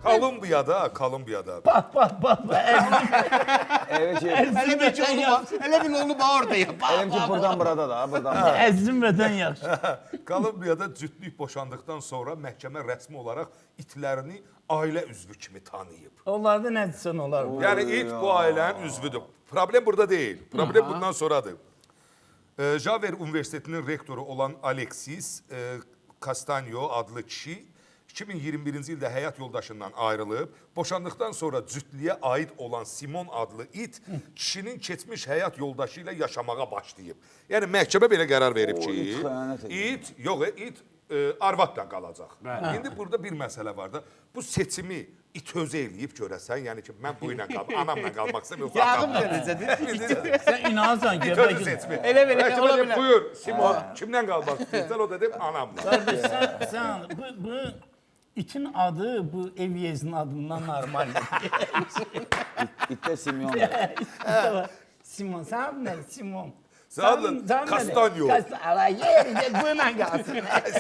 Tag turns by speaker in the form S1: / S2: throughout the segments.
S1: Kolumbiyada.
S2: Bak.
S3: Evet şey.
S4: Hele bir ki onu var. Hele bir onu var orada yap.
S3: Elim ki buradan burada da, buradan da.
S2: Əzizim vətən yaxşı.
S1: Kolumbiyada cütlük boşandıktan sonra məhkəmə rəsmi olaraq itlərini ailə üzvü kimi tanıyıb.
S2: Onlarda nə desən olar.
S1: Yəni it bu ailənin üzvüdür. Problem burada deyil. Problem bundan sonradır. Javer Üniversitetinin rektoru olan Alexis Castanyo adlı kişi 2021-ci ildə həyat yoldaşından ayrılıb, boşandıqdan sonra cütlüyə aid olan Simon adlı it kişinin keçmiş həyat yoldaşı ilə yaşamağa başlayıb. Yəni məhkəmə belə qərar verib ki, it arvadla qalacaq. İndi burada bir məsələ var da, bu seçimi it özü eləyib görəsən, yəni ki, mən bu ilə anamla qalmaq istəmirəm.
S4: Yağım verəcədir.
S2: Sən inanırsan ki,
S1: İt özü seçimi.
S4: Elə belə,
S1: Məhkəmə
S4: ola
S1: deyib,
S4: bilər.
S1: buyur, Simon, kimdən qalmaq istəyirsən? O da deyib, anamla.
S2: Qardaş, sən bu itin adı bu Evyez'in adından normaldir.
S3: İtte Simyon.
S2: Simon, sən adın nədir? Simon.
S1: Sən adın Castanyo.
S2: Ala yerində bununla qalsın.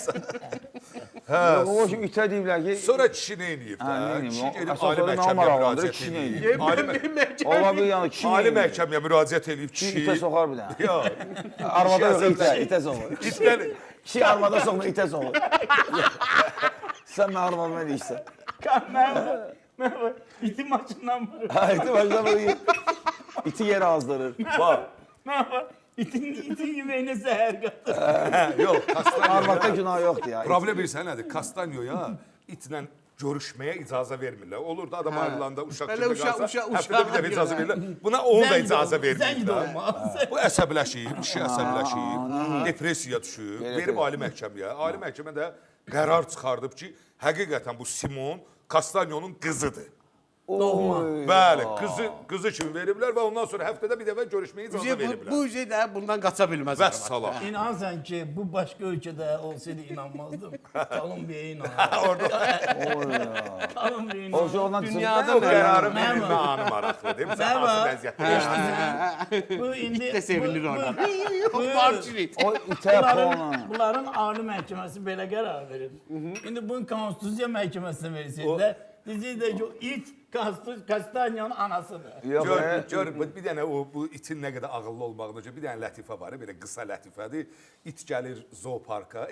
S3: O şimdi ite deyiblər ki,
S1: Sonra kişi nə eləyib
S3: Ha, nə
S1: də?
S3: eləyib?
S1: Kişi gedib
S3: Əsas
S1: ali
S3: orada
S1: məhkəməyə
S3: namaraqlandır,
S1: müraciət
S3: kişi nə
S1: eləyib.
S3: eləyib? ola bir yani kişi
S1: Ali məhkəməyə müraciət eləyib
S3: Kişi
S1: kişi.
S3: ite sokar bir tane.
S1: Yox.
S3: Arvada yok
S1: Kişi
S3: ite,
S1: əsəbləşib.
S3: ite sokar.
S1: İtdən
S3: Kişi arvada sokma ite sokar. Sen ben arvadına değilsin.
S2: Mən itin maçından vurur.
S3: Ha ite başına böyle iti yere azdırır. Bak.
S2: İtin yeməyinə zəhər qatır.
S1: yox, Castanyo.
S3: Arvadda günah yoktu ya.
S1: Problem bilirsən nədir? Castanyoya itlə görüşməyə icazə vermirlər. Olur da adam ayrılanda uşaq
S4: Belə
S1: kimi qalsa,
S4: uşaq-
S1: həftədə bir dəfə icazə verirlər. Buna onu da icazə
S2: Zəng də
S1: vermirlər.
S2: olmaz.
S1: Bu əsəbləşib, kişi əsəbləşib, depressiyaya düşüb, verib ali məhkəməyə. Ali məhkəmə də qərar çıxardıb ki, həqiqətən bu Simon Castanyonun qızıdır. Bəli, qızı kimi veriblər və ondan sonra həftədə bir dəfə görüşməyə icazə veriblər.
S4: Bu ücret də bundan qaça bilməz.
S1: Vəssalam.
S2: İnansan ki, bu başqa ölkədə olsaydı inanmazdım. Kolumbiyaya inanırdım. Kolumbiyaya
S3: O
S2: inanırdım.
S3: şey ondan
S4: Dünyada
S1: Bu qərarı
S2: Mən
S1: bilmə anı maraqlıdır. Sən
S2: Mən
S1: hansı
S2: var.
S1: vəziyyətdə?
S2: Bu indi
S4: İt də sevinir orada.
S2: bu-
S4: Var çirit.
S3: O ite puanı.
S2: Bunların ali məhkəməsi belə qərar verir. İndi bunu konstitusiya məhkəməsinə versəydilər, deyəcəklər ki, o it Castanyanın anasıdır.
S3: Yok be.
S1: Gör, bir dənə bu itin nə qədər ağıllı olmağına görə bir dənə lətifə var, belə qısa lətifədir. İt gəlir zooparka,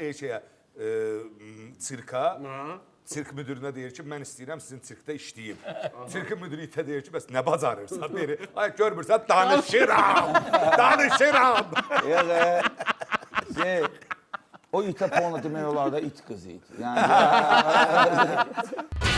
S1: sirka. Sirk müdürünə deyir ki, mən istəyirəm sizin sirkdə işləyim. Sirkin müdürü itə deyir ki, bəs nə bacarırsan? Deyir, ay görmürsən, danışıram. Danışıram.
S3: Yok be. Şey, o ite puanı demək olar da it kızı it. Yani